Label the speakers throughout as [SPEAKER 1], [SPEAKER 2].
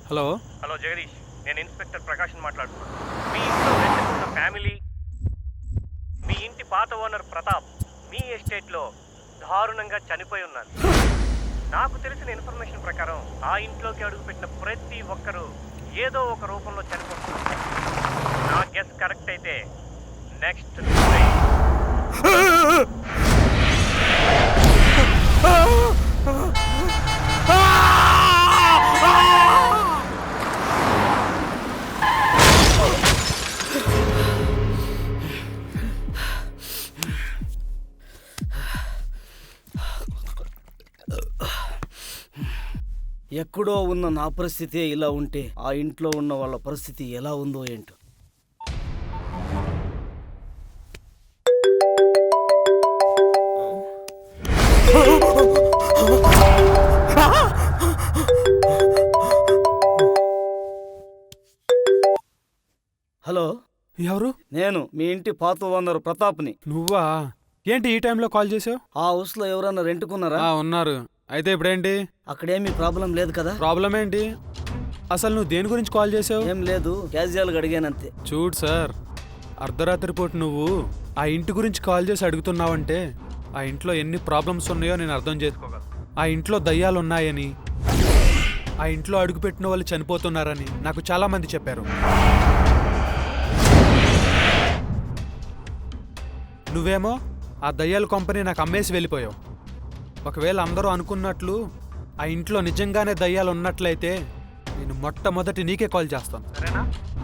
[SPEAKER 1] Hello
[SPEAKER 2] hello Jagadish, నేను inspector ప్రకాష్ని మాట్లాడుతున్నాను. మీ ఇంట్లో వెంటకున్న ఫ్యామిలీ, మీ ఇంటి పాత ఓనర్ ప్రతాప్ మీ ఎస్టేట్లో దారుణంగా చనిపోయి ఉన్నారు. నాకు తెలిసిన ఇన్ఫర్మేషన్ ప్రకారం ఆ ఇంట్లోకి అడుగుపెట్టిన ప్రతి ఒక్కరూ ఏదో ఒక రూపంలో చనిపోతున్నారు. నా గెస్ కరెక్ట్ అయితే నెక్స్ట్
[SPEAKER 3] ఎక్కడో ఉన్న నా పరిస్థితి ఇలా ఉంటే ఆ ఇంట్లో ఉన్న వాళ్ళ పరిస్థితి ఎలా ఉందో ఏంటో. హలో,
[SPEAKER 1] ఎవరు?
[SPEAKER 3] నేను మీ ఇంటి పాత ఓనర్ ప్రతాప్ని.
[SPEAKER 1] నువ్వా? ఏంటి ఈ టైంలో కాల్ చేసావు?
[SPEAKER 3] ఆ హౌస్ లో ఎవరన్నా రెంట్కున్నారా?
[SPEAKER 1] ఉన్నారు. అయితే ఇప్పుడేంటి?
[SPEAKER 3] అక్కడేమీ ప్రాబ్లం లేదు కదా?
[SPEAKER 1] ప్రాబ్లం ఏంటి? అసలు నువ్వు దేని గురించి కాల్ చేసావు?
[SPEAKER 3] ఏం లేదు, క్యాజువల్గా అడిగానంతే.
[SPEAKER 1] చూడు సార్, అర్ధరాత్రి పూట నువ్వు ఆ ఇంటి గురించి కాల్ చేసి అడుగుతున్నావంటే ఆ ఇంట్లో ఎన్ని ప్రాబ్లమ్స్ ఉన్నాయో నేను అర్థం చేసుకోగలను. ఆ ఇంట్లో దయ్యాలు ఉన్నాయని, ఆ ఇంట్లో అడుగుపెట్టిన వాళ్ళు చనిపోతున్నారని నాకు చాలా మంది చెప్పారు. నువ్వేమో ఆ దయ్యాల కంపెనీ నాకు అమ్మేసి వెళ్ళిపోయావు. ఒకవేళ అందరూ అనుకున్నట్లు ఆ ఇంట్లో నిజంగానే దయ్యాలు ఉన్నట్లయితే నేను మొట్టమొదటి నీకే కాల్ చేస్తాను, సరేనా?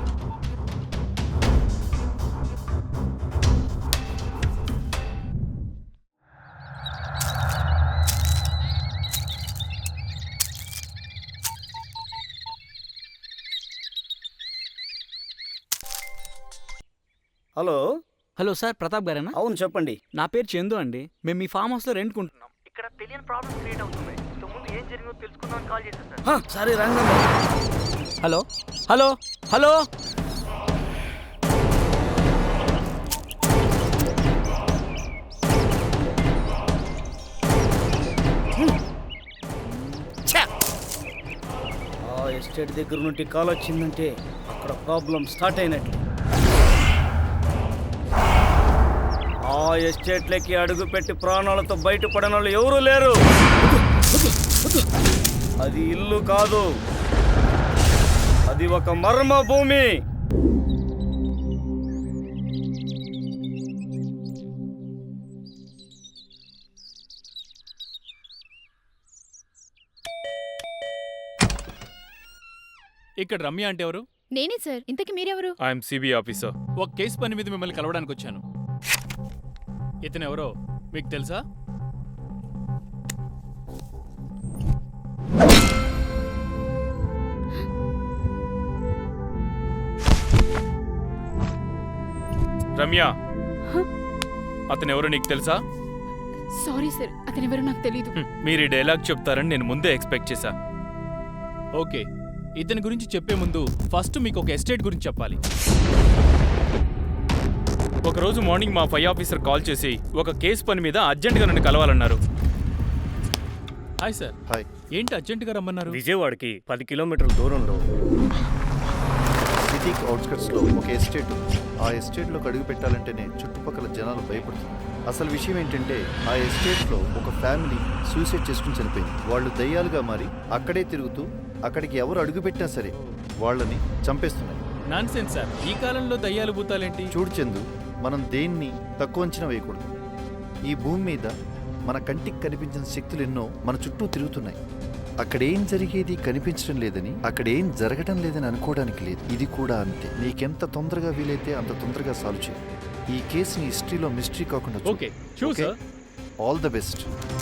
[SPEAKER 3] హలో
[SPEAKER 4] హలో సార్, ప్రతాప్ గారేనా?
[SPEAKER 3] అవును, చెప్పండి.
[SPEAKER 4] నా పేరు చందు అండి. మేము మీ ఫామ్ హౌస్లో రెంట్కుంటున్నాం.
[SPEAKER 2] ఇక్కడ తెలియని ప్రాబ్లం క్రియేట్ అవుతుంది. ముందు ఏం జరిగిందో తెలుసుకుందామని కాల్ చేశాను సార్.
[SPEAKER 3] సరే రండి.
[SPEAKER 4] హలో హలో హలో
[SPEAKER 3] ఆ ఎస్టేట్ దగ్గర నుండి కాల్ వచ్చిందంటే అక్కడ ప్రాబ్లం స్టార్ట్ అయినట్టు. ఆ ఎస్టేట్లకి అడుగు పెట్టి ప్రాణాలతో బయటపడిన వాళ్ళు ఎవరూ లేరు. అది ఇల్లు కాదు, అది ఒక మర్మ భూమి.
[SPEAKER 5] ఇక్కడ రమ్య అంటే ఎవరు?
[SPEAKER 6] నేనే సార్. ఇంతకీ మీరెవరు?
[SPEAKER 5] I'm CBI officer. ఒక కేసు పని మీద మిమ్మల్ని కలవడానికి వచ్చాను. ఇతను ఎవరో మీకు తెలుసా? రమ్య, అతను ఎవరో నీకు తెలుసా?
[SPEAKER 6] సారీ సార్, అతనెవరో నాకు తెలీదు.
[SPEAKER 5] మీరు ఈ డైలాగ్ చెప్తారని నేను ముందే ఎక్స్పెక్ట్ చేశా. ఓకే, ఇతని గురించి చెప్పే ముందు ఫస్ట్ మీకు ఒక ఎస్టేట్ గురించి చెప్పాలి. ఒకరోజు మార్నింగ్ మా ఫై ఆఫీసర్ కాల్ చేసి ఒక కేసు పని మీద అర్జెంటుగా నన్ను కలవాలన్నారు. Hi sir.
[SPEAKER 7] హాయ్.
[SPEAKER 5] ఏంటి అర్జెంటుగా రమ్మన్నారు?
[SPEAKER 2] విజయవాడకి 10 కిలోమీటర్ల దూరంలో
[SPEAKER 7] సిటీకి అవుట్స్కట్స్లో ఒక ఎస్టేట్. ఆ ఎస్టేట్లోకి అడుగు పెట్టాలంటేనే చుట్టుపక్కల జనాలు భయపడుతున్నారు. అసలు విషయం ఏంటంటే ఆ ఎస్టేట్లో ఒక ఫ్యామిలీ సూసైడ్ చేసుకుని చనిపోయింది. వాళ్ళు దయ్యాలుగా మారి అక్కడే తిరుగుతూ అక్కడికి ఎవరు అడుగు పెట్టినా సరే వాళ్ళని చంపేస్తున్నారు.
[SPEAKER 5] నాన్సెన్స్ సార్, ఈ కాలంలో దయ్యాలు భూతాలేంటి?
[SPEAKER 7] చూడు చందు, మనం దేన్ని తక్కువ అంచనా వేయకూడదు. ఈ భూమి మీద మన కంటికి కనిపించిన శక్తులు ఎన్నో మన చుట్టూ తిరుగుతున్నాయి. అక్కడేం జరిగేది కనిపించడం లేదని, అక్కడేం జరగడం లేదని అనుకోవడానికి లేదు. ఇది కూడా అంతే. నీకెంత తొందరగా వీలైతే అంత తొందరగా సాల్వ్ చేయి. ఈ కేసుని హిస్టరీలో మిస్టరీ కాకుండా చూడు.
[SPEAKER 5] Okay, sure sir.
[SPEAKER 7] All the best.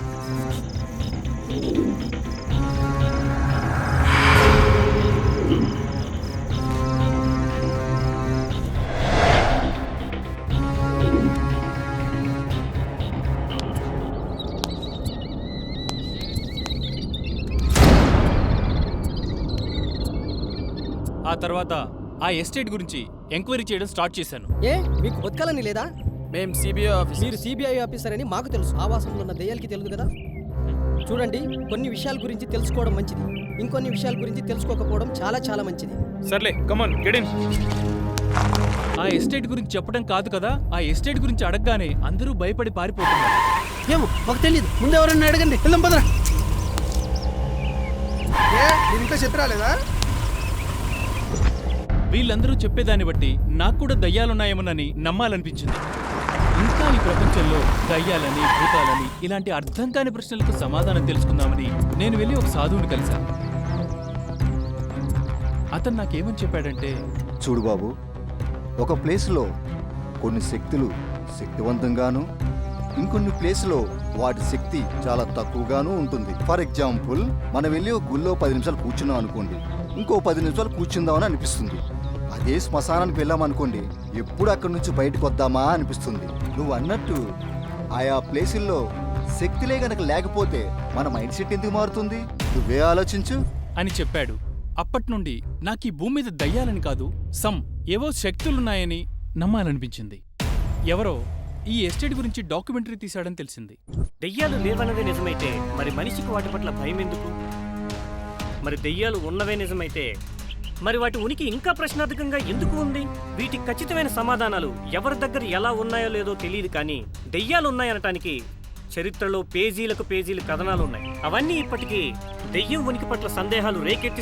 [SPEAKER 5] ఆ తర్వాత ఆ ఎస్టేట్ గురించి ఎంక్వైరీ చేయడం స్టార్ట్ చేశాను.
[SPEAKER 8] ఏ మీకు బతకాలని లేదా?
[SPEAKER 5] మేము సిబిఐ ఆఫీసర్.
[SPEAKER 8] మీరు సిబిఐ ఆఫీసర్ అని మాకు తెలుసు. ఆవాసంలో ఉన్న దయ్యాలకి తెలియదు కదా. చూడండి, కొన్ని విషయాల గురించి తెలుసుకోవడం మంచిది, ఇంకొన్ని విషయాల గురించి తెలుసుకోకపోవడం చాలా చాలా మంచిది.
[SPEAKER 5] సర్లే కమాన్ గెట్ ఇన్. ఆ ఎస్టేట్ గురించి చెప్పడం కాదు కదా, ఆ ఎస్టేట్ గురించి అడగగానే అందరూ భయపడి పారిపోతున్నారు.
[SPEAKER 8] ఏమో మాకు తెలియదు, ముందు ఎవరన్నా అడగండి, వెళ్దాం పదరా.
[SPEAKER 9] ఇంకా చెప్పరాలేదా?
[SPEAKER 5] వీళ్ళందరూ చెప్పేదాన్ని బట్టి నాకు కూడా దయ్యాలున్నాయేమోనని నమ్మాలనిపించింది. ఇంకా ఈ ప్రపంచంలో దయ్యాలని, భూతాలని ఇలాంటి అర్థం కాని ప్రశ్నలకు సమాధానం తెలుసుకుందామని నేను వెళ్ళి ఒక సాధువుని కలిశాను. అతను నాకేమని చెప్పాడంటే,
[SPEAKER 10] చూడు బాబు, ఒక ప్లేస్లో కొన్ని శక్తులు శక్తివంతంగాను, ఇంకొన్ని ప్లేస్లో వాటి శక్తి చాలా తక్కువగాను ఉంటుంది. ఫర్ ఎగ్జాంపుల్, మనం వెళ్ళి ఒక గుళ్ళో 10 నిమిషాలు కూర్చున్నాం అనుకోండి, ఇంకో 10 నిమిషాలు కూర్చుందామని అనిపిస్తుంది. అదే శ్మశానానికి వెళ్ళామనుకోండి, ఎప్పుడు అక్కడి నుంచి బయటకు వద్దామా అనిపిస్తుంది. నువ్వు అన్నట్టు ఆయా ప్లేసుల్లో శక్తిలే గనక లేకపోతే మన మైండ్ సెట్ ఎందుకు మారుతుంది? నువ్వే ఆలోచించు
[SPEAKER 5] అని చెప్పాడు. అప్పటి నుండి నాకు ఈ భూమి మీద దయ్యాలని కాదు, ఏవో శక్తులున్నాయని నమ్మాలనిపించింది. ఎవరో ఈ ఎస్టేట్ గురించి డాక్యుమెంటరీ తీశాడని తెలిసింది.
[SPEAKER 2] దెయ్యాలు లేవన్నదే నిజమైతే మరి మనిషికి వాటి పట్ల భయం ఎందుకు? మరి దెయ్యాలు ఉన్నవే నిజమైతే మరి వాటి ఉనికి ఇంకా ప్రశ్నార్థకంగా ఎందుకు ఉంది? వీటికి ఖచ్చితమైన సమాధానాలు ఎవరి దగ్గర ఎలా ఉన్నాయో లేదో తెలియదు, కానీ దెయ్యాలు ఉన్నాయనటానికి చరిత్రలో పేజీలకు పేజీలు కథనాలు ఉన్నాయి. అవన్నీ ఇప్పటికీ దెయ్యం ఉనికి పట్ల సందేహాలు రేకెత్తి